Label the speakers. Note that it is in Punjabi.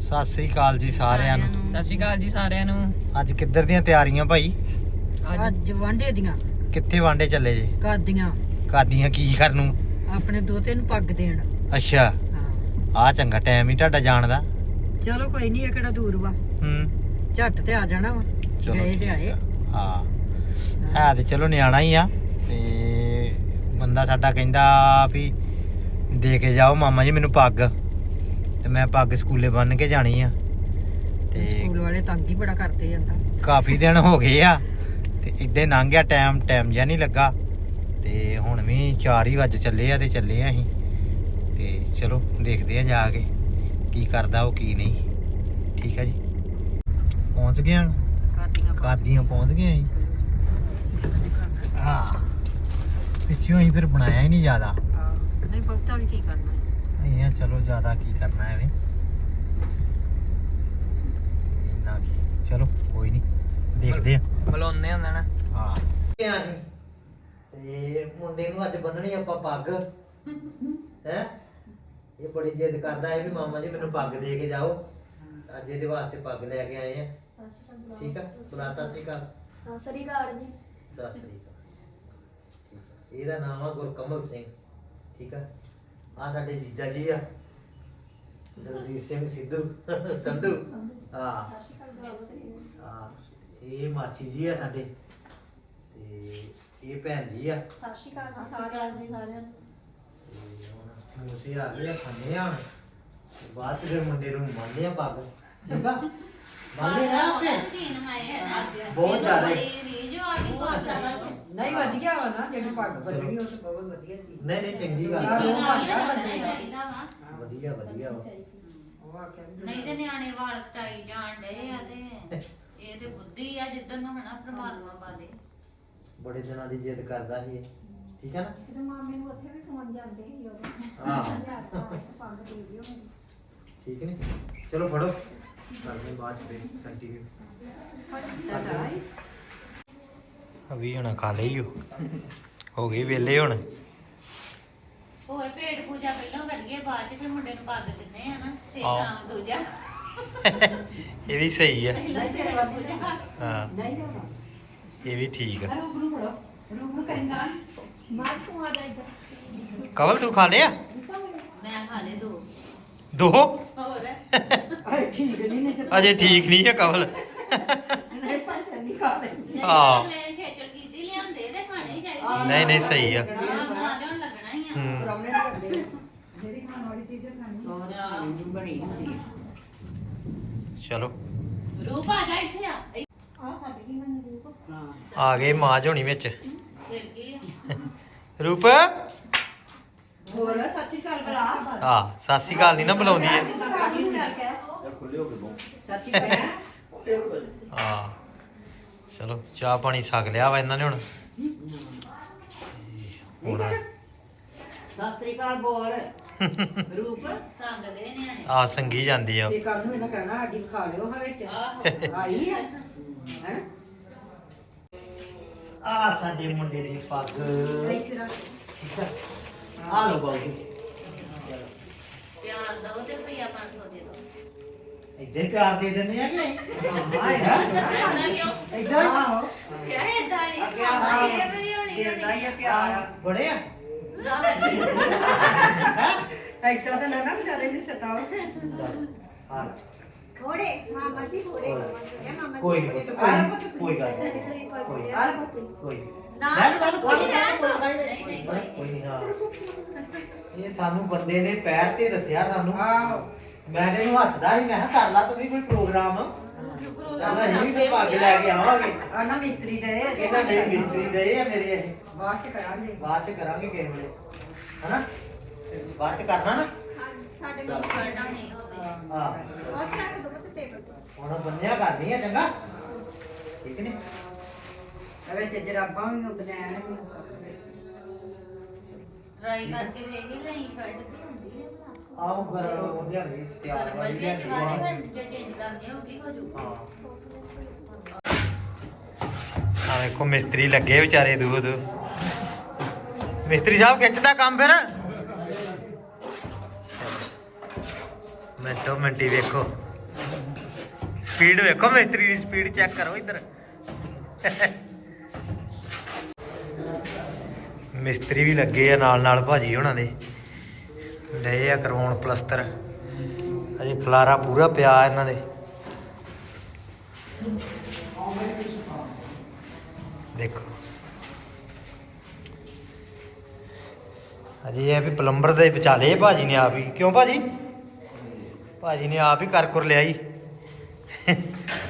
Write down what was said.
Speaker 1: ਸਤਿ ਸ੍ਰੀ ਅਕਾਲ ਜੀ ਸਾਰਿਆਂ ਨੂੰ।
Speaker 2: ਸਤਿ ਸ਼੍ਰੀ ਅਕਾਲ ਜੀ ਸਾਰਿਆਂ ਨੂੰ।
Speaker 1: ਅੱਜ ਕਿੱਧਰ ਦੀਆਂ ਤਿਆਰੀਆਂ ਭਾਈ?
Speaker 3: ਅੱਜ ਵਾਂਡੇ ਦੀਆਂ।
Speaker 1: ਕਿੱਥੇ ਵਾਂਡੇ ਚੱਲੇ ਜੇ?
Speaker 3: ਕਾਦੀਆਂ।
Speaker 1: ਕਾਦੀਆਂ ਕੀ ਕਰਨ ਨੂੰ?
Speaker 3: ਆਪਣੇ ਦੋਤੇ ਨੂੰ ਪੱਗ ਦੇਣ।
Speaker 1: ਅੱਛਾ,
Speaker 3: ਹਾਂ
Speaker 1: ਆ ਚੰਗਾ ਟਾਈਮ ਹੀ ਤੁਹਾਡਾ ਜਾਣ ਦਾ।
Speaker 3: ਚਲੋ ਕੋਈ ਨਹੀਂ, ਇਹ ਕਿਹੜਾ ਦੂਰ ਵਾ, ਝੱਟ ਤੇ ਆ ਜਾਣਾ ਵਾ।
Speaker 1: ਚਲੋ
Speaker 3: ਗਏ ਤੇ
Speaker 1: ਠੀਕ
Speaker 3: ਆਏ।
Speaker 1: ਆ। ਹਾਂ ਹੈ ਤੇ ਚਲੋ ਨਿਆਣਾ ਹੀ ਆ, ਤੇ ਬੰਦਾ ਸਾਡਾ ਕਹਿੰਦਾ ਵੀ ਦੇ ਕੇ ਜਾਓ ਮਾਮਾ ਜੀ ਮੈਨੂੰ ਪੱਗ, ਤੇ ਮੈਂ ਪੱਗ ਸਕੂਲੇ ਬੰਨ ਕੇ ਜਾਣੀ ਆ। ਤੇ
Speaker 3: ਸਕੂਲ ਵਾਲੇ ਤੰਗ ਹੀ ਬੜਾ ਕਰਦੇ ਜਾਂਦਾ।
Speaker 1: ਕਾਫੀ ਦਿਨ ਹੋ ਗਏ ਆ ਤੇ ਇੱਦਾਂ ਲੰਘ ਗਿਆ ਟਾਈਮ ਜਿਹਾ ਨਹੀਂ ਲੱਗਾ। ਤੇ ਹੁਣ ਵੀ 4 ਹੀ ਵੱਜ ਚੱਲੇ ਆ ਤੇ ਚੱਲੇ ਆ ਅਸੀਂ। ਤੇ ਚਲੋ ਦੇਖਦੇ ਆ ਜਾ ਕੇ ਕੀ ਕਰਦਾ ਉਹ ਕੀ ਨਹੀਂ। ਠੀਕ ਆ ਜੀ, ਪਹੁੰਚ ਗਏ ਆ ਕਾਦੀਆਂ ਪਹੁੰਚ ਗਏ ਅਸੀਂ। ਹਾਂ ਪਿੱਛੋਂ ਅਸੀਂ ਫਿਰ ਬਣਾਇਆ ਹੀ ਨਹੀਂ ਜ਼ਿਆਦਾ।
Speaker 3: ਨਹੀਂ ਬਹੁਤਾ ਵੀ ਕੀ ਕਰਨਾ।
Speaker 1: ਨਹੀਂ ਆ ਚਲੋ ਜ਼ਿਆਦਾ ਕੀ ਕਰਨਾ ਐਵੇਂ ਇੰਨਾ ਕੀ, ਚਲੋ ਕੋਈ ਨਹੀਂ ਦੇਖਦੇ ਆ
Speaker 2: ਬੁਲਾਉਂਦੇ ਹੁੰਦੇ ਨਾ।
Speaker 1: ਹਾਂ ਤੇ ਮੁੰਡੇ ਨੂੰ ਅੱਜ ਬੰਨਣੀ ਆਪਾਂ ਪੱਗ ਹੈ। ਇਹ ਬੜੀ ਜਿੱਦ ਕਰਦਾ ਹੈ ਵੀ ਮਾਮਾ ਜੀ ਮੈਨੂੰ ਪੱਗ ਦੇ ਕੇ ਜਾਓ। ਅੱਜ ਇਹਦੇ ਵਾਸਤੇ ਪੱਗ ਲੈ ਕੇ ਆਏ ਆ। ਠੀਕ ਆ, ਬੁਲਾ ਸਤਿ ਸ੍ਰੀ ਅਕਾਲ।
Speaker 4: ਸਤਿ ਸ੍ਰੀ ਅਕਾਲ ਜੀ।
Speaker 1: ਸਤਿ ਸ੍ਰੀ ਅਕਾਲ। ਇਹਦਾ ਨਾਮ ਆ ਗੁਰਕਮਲ ਸਿੰਘ। ਠੀਕ ਆ, ਆ ਸਾਡੇ ਜੀਜਾ ਜੀ ਆ ਦਲਜੀਤ ਸਿੰਘ ਸਿੱਧੂ ਸੰਧੂ। ਹਾਂ ਹਾਂ, ਇਹ ਮਾਸੀ ਜੀ ਆ ਸਾਡੇ, ਤੇ ਇਹ ਭੈਣ ਜੀ ਆ।
Speaker 4: ਸਤਿ ਸ਼੍ਰੀ ਅਕਾਲ ਜੀ ਸਾਰਿਆਂ ਨੂੰ।
Speaker 1: ਤੇ ਹੁਣ ਸਮੋਸੇ ਆ ਗਏ ਆ, ਖਾਣੇ ਆ। ਤੇ ਬਾਅਦ ਚ ਫਿਰ ਮੁੰਡੇ ਨੂੰ ਮੰਨਦੇ ਆ ਪੱਗ। ਠੀਕ ਆ, ਮੰਨਦੇ ਆ ਆਪੇ ਬਹੁਤ ਜ਼ਿਆਦਾ।
Speaker 3: ਨਹੀਂ ਵਧੀਆ ਵਾ ਨਾ, ਜਿਹੜੀ ਪੱਗ ਬੰਨਣੀ ਉਹ ਤਾਂ ਬਹੁਤ ਵਧੀਆ ਚੀਜ਼।
Speaker 1: ਨਹੀਂ ਨਹੀਂ ਚੰਗੀ ਗੱਲ ਆ। ਵਧੀਆ ਵਧੀਆ ਵਾ।
Speaker 3: ਉਹ ਆਖਿਆ ਵੀ
Speaker 5: ਨਹੀਂ ਤੇ ਨਿਆਣੇ ਵਾਲ ਕਟਾਈ ਜਾਣ ਡਏ ਆ ਤੇ ਇਹ ਤੇ ਬੁੱਧੀ ਆ ਜਿੱਦਣ ਨੂੰ ਹਨਾ ਪ੍ਰਮਾਤਮਾ ਪਾ ਦੇ।
Speaker 1: ਬੜੇ ਦਿਨਾਂ ਦੀ ਜਿੱਦ ਕਰਦਾ ਸੀ ਇਹ। ਠੀਕ ਹੈ ਨਾ?
Speaker 4: ਤੇ ਮਾਮੇ ਨੂੰ ਉੱਥੇ ਵੀ ਫੋਨ ਜਾਂਦੇ ਸੀ ਉਦੋਂ।
Speaker 1: ਹਾਂ
Speaker 4: ਪੱਗ ਦੇ ਦਿਓ ਮੇਰੀ।
Speaker 1: ਠੀਕ ਨੇ, ਚਲੋ ਫੜੋ ਕਰਦੇ ਬਾਅਦ ਚ ਕੰਟੀਨਿਊ। ਅਭੀ ਹੁਣ ਖਾ ਲਈ ਹੋ ਗਈ ਵੇਲੇ ਹੁਣ।
Speaker 5: ਹੋਰ ਪੇਟ ਪੂਜਾ ਪਹਿਲਾਂ ਕਰੀਏ, ਬਾਅਦ ਚ ਫਿਰ ਮੁੰਡੇ ਨੂੰ ਪੱਗ ਦਿੰਦੇ ਆ ਨਾ, ਤੇ
Speaker 1: ਹਾਂ।
Speaker 5: ਕੰਮ ਦੂਜਾ
Speaker 1: ਇਹ ਵੀ ਸਹੀ ਆ।
Speaker 5: ਪਹਿਲਾਂ ਪੇਟ ਪੂਜਾ।
Speaker 1: ਹਾਂ
Speaker 3: ਨਹੀਂ ਹੋਣਾ।
Speaker 1: ਇਹ ਵੀ ਠੀਕ ਆ।
Speaker 3: ਰੂਪ ਨੂੰ ਫੜੋ, ਰੂਪ ਨੂੰ ਕਰੇਗਾ।
Speaker 4: ਮਾਰ ਤੂੰ ਆ ਜਾ ਇੱਧਰ।
Speaker 1: ਕਵਲ ਤੂੰ ਖਾ ਲਿਆ?
Speaker 5: ਮੈਂ ਖਾ ਲਏ 2
Speaker 1: ਦੋ?
Speaker 5: ਹੋਰ
Speaker 3: ਅਰੇ ਠੀਕ ਨਹੀਂ ਤੇ
Speaker 1: ਅਜੇ ਠੀਕ ਨਹੀਂ ਹੈ ਕਵਲ।
Speaker 3: ਨਹੀਂ ਭਾਈ ਨਹੀਂ ਖਾ ਲੈ।
Speaker 5: ਨਹੀਂ
Speaker 1: ਹਾਂ।
Speaker 5: ਮੈਂ ਖੇਚਲ ਕੀਤੀ ਲਿਆਂਦੇ ਤੇ ਖਾਣੇ ਹੀ ਚਾਹੀਦੇ।
Speaker 1: ਨਹੀਂ ਨਹੀਂ ਸਹੀ ਆ।
Speaker 5: ਹਾਂ ਬਣਾ ਲਿਆਉਣ ਲੱਗਣਾ ਹੀ ਆ।
Speaker 1: ਹੂੰ।
Speaker 3: ਪ੍ਰੋਬਲਮ ਨਹੀਂ ਕਰਦੇ।
Speaker 4: ਜਿਹੜੀ ਖਾਣ ਵਾਲੀ ਚੀਜ਼ ਖਾਣੀ।
Speaker 3: ਹੋਰ ਬਣੀ ਹੁੰਦੀ ਹੈ।
Speaker 1: ਚਲੋ
Speaker 5: ਰੂਪ ਆ ਜਾ ਇੱਥੇ ਆ।
Speaker 4: ਆ ਫੜ ਗਈ ਮੈਨੂੰ ਰੂਪ।
Speaker 3: ਹਾਂ
Speaker 1: ਆ ਗਏ ਮਾਜ ਹੋਣੀ ਵਿੱਚ।
Speaker 5: ਫਿਰ ਕੀ ਆ?
Speaker 1: ਰੂਪ
Speaker 3: ਹੋਰ ਸੱਚੀ ਗੱਲ ਬਲਾ।
Speaker 1: ਆ ਸਤਿ ਸ਼੍ਰੀ ਅਕਾਲ ਨਹੀਂ ਨਾ ਬੁਲਾਉਂਦੀ ਹੈ।
Speaker 3: ਸੱਚੀ ਗੱਲ।
Speaker 1: ਹਾਂ ਚਲੋ ਚਾਹ ਪਾਣੀ ਛਕ ਲਿਆ ਵਾ ਇਹਨਾਂ ਨੇ ਹੁਣ। ਹੁਣ
Speaker 3: ਸਤਿ ਸ੍ਰੀ ਅਕਾਲ ਬੋਲ। ਰੂਪ
Speaker 5: ਸੰਗਦੇ ਨਿਆਣੇ।
Speaker 1: ਆ ਸੰਗੀ ਜਾਂਦੀ ਆ।
Speaker 3: ਤੇ ਕੱਲ ਨੂੰ ਇਹਨਾਂ ਕਹਿਣਾ ਸਾਡੀ ਖਾ ਲਿਓ ਹਾਂ ਵਿੱਚ। ਆਈ ਹੈ ਹੈ
Speaker 1: ਆ ਸਾਡੇ ਮੁੰਡੇ ਦੀ ਪੱਗ।
Speaker 3: ਇੱਥੇ ਰੱਖ।
Speaker 1: ਠੀਕ ਆ, ਆ ਲੋ ਬਾਬੂ।
Speaker 5: ਪਿਆਰ ਦੋ ਤੇ ਰੁਪਈਆ 500 ਦੇ ਦੋ।
Speaker 1: ਇੱਦਾਂ ਹੀ ਪਿਆਰ ਦੇ ਦਿੰਦੇ ਆ ਕਿ ਨਹੀਂ?
Speaker 5: ਏਦਾਂ ਕਿਉਂ?
Speaker 1: ਇੱਦਾਂ ਹੀ
Speaker 3: ਆਹੋ
Speaker 5: ਕਿਆ ਏਦਾਂ ਹੀ?
Speaker 3: ਹਾਂ।
Speaker 5: ਇਹ ਵੀ ਹੋਣੀ
Speaker 3: ਦੇਦਾ ਹੀ ਆ ਪਿਆਰ।
Speaker 1: ਬੜੇ ਆ।
Speaker 3: ਇੱਦਾਂ ਤਾਂ ਨਾ ਵਿਚਾਰੇ ਨੂੰ ਸਤਾਓ।
Speaker 1: ਹਾਂ
Speaker 4: ਥੋੜੇ ਮਾਮਾ ਜੀ ਥੋੜੇ ਮਾਮਾ
Speaker 1: ਕੋਈ
Speaker 4: ਜੀ
Speaker 1: ਨਹੀਂ,
Speaker 4: ਥੋੜੇ।
Speaker 1: ਕੋਈ ਗੱਲ ਨਹੀਂ, ਕੋਈ
Speaker 3: ਆਹ ਲੈ ਪੁੱਤ।
Speaker 1: ਕੋਈ
Speaker 4: ਨਾ,
Speaker 1: ਕੋਈ
Speaker 4: ਕੋਈ ਨਾ,
Speaker 1: ਨਹੀਂ। ਹਾਂ ਇਹ ਸਾਨੂੰ ਬੰਦੇ ਨੇ ਪੈਰ ਤੇ ਦੱਸਿਆ ਸਾਨੂੰ।
Speaker 3: ਆਹੋ
Speaker 1: ਮੈਂ ਤੇ ਇਹਨੂੰ ਹੱਸਦਾ ਸੀ, ਮੈਂ ਕਿਹਾ ਕਰ ਲਾ ਤੂੰ ਵੀ ਕੋਈ ਪ੍ਰੋਗਰਾਮ। ਕਹਿੰਦਾ ਅਸੀਂ ਵੀ ਕੋਈ ਪੱਗ ਲੈ ਕੇ ਆਵਾਂਗੇ।
Speaker 3: ਆ ਨਾ ਮਿਸਤਰੀ ਦੇ
Speaker 1: ਕਹਿੰਦਾ ਨਹੀਂ ਮਿਸਤਰੀ ਦੇ ਆ ਮੇਰੇ ਇਹ।
Speaker 3: ਬਾਅਦ ਚ ਕਰਾਂਗੇ।
Speaker 1: ਬਾਅਦ ਚ ਕਰਾਂਗੇ ਕਿਸੇ ਵੇਲੇ, ਹਨਾ? ਬਾਅਦ ਚ ਕਰਨਾ ਨਾ।
Speaker 4: ਸਾਡੇ
Speaker 5: ਦੋ
Speaker 4: ਕੋਲ
Speaker 5: ਖੜਨਾ ਨਹੀਂ ਹੋਵੇ।
Speaker 1: ਹਾਂ
Speaker 4: ਬਹੁਤ ਰੱਖ ਦੋ ਤੇ ਟੇਬਲ ਤੇ।
Speaker 1: ਹੁਣ ਬੰਨਿਆ ਕਰਨੀ ਆ ਚੰਗਾ। ਠੀਕ ਨੇ?
Speaker 3: ਅਵੇ ਤੇ ਜਰਾਬਾਂ ਵੀ ਬਨੈਣ ਵੀ ਸਭ
Speaker 5: ਟਰਾਈ ਕਰਕੇ ਵੇਖ ਹੀ ਲਈ ਸ਼ਰਟ ਕੀ ਹੁੰਦੀ ਹੈ ਭਲਾ।
Speaker 1: ਆਓ ਘਰ ਉਹਦੇ ਵੀ ਤਿਆਰ
Speaker 5: ਪਰ
Speaker 1: ਵਾਲੀ
Speaker 5: ਵਧੀਆ
Speaker 1: ਲਿਆਂਦੀ
Speaker 5: ਜਵਾਨੇ
Speaker 1: ਆ।
Speaker 5: ਫਿਰ ਜੇ ਚੇਂਜ ਕਰਨੀ ਹੋਊਗੀ ਹੋ ਜੂ।
Speaker 1: ਹਾਂ ਆ ਵੇਖੋ ਮਿਸਤਰੀ ਲੱਗੇ ਵਿਚਾਰੇ ਦੂਰ ਮਿਸਤਰੀ ਸਾਹਿਬ ਖਿੱਚਦਾ ਕੰਮ ਫਿਰ। ਮਿੰਟੋ ਮਿੰਟੀ ਵੇਖੋ ਸਪੀਡ ਵੇਖੋ ਮਿਸਤਰੀ ਦੀ ਸਪੀਡ ਚੈੱਕ ਕਰੋ ਇੱਧਰ ਮਿਸਤਰੀ ਵੀ ਲੱਗੇ ਆ ਨਾਲ ਨਾਲ ਭਾਜੀ ਹੋਣਾ ਦੇ ਲਏ ਆ ਕਰਵਾਉਣ ਪਲਸਤਰ ਅਜੇ ਖਲਾਰਾ ਪੂਰਾ ਪਿਆ ਇਹਨਾਂ ਦੇ ਦੇਖੋ ਅਜੇ ਇਹ ਵੀ ਪਲੰਬਰ ਦੇ ਵਿਚਾਲੇ ਭਾਜੀ ਨੇ ਆਪ ਹੀ ਕਿਉਂ ਭਾਜੀ ਭਾਜੀ ਨੇ ਆਪ ਹੀ ਕਰ ਲਿਆ ਜੀ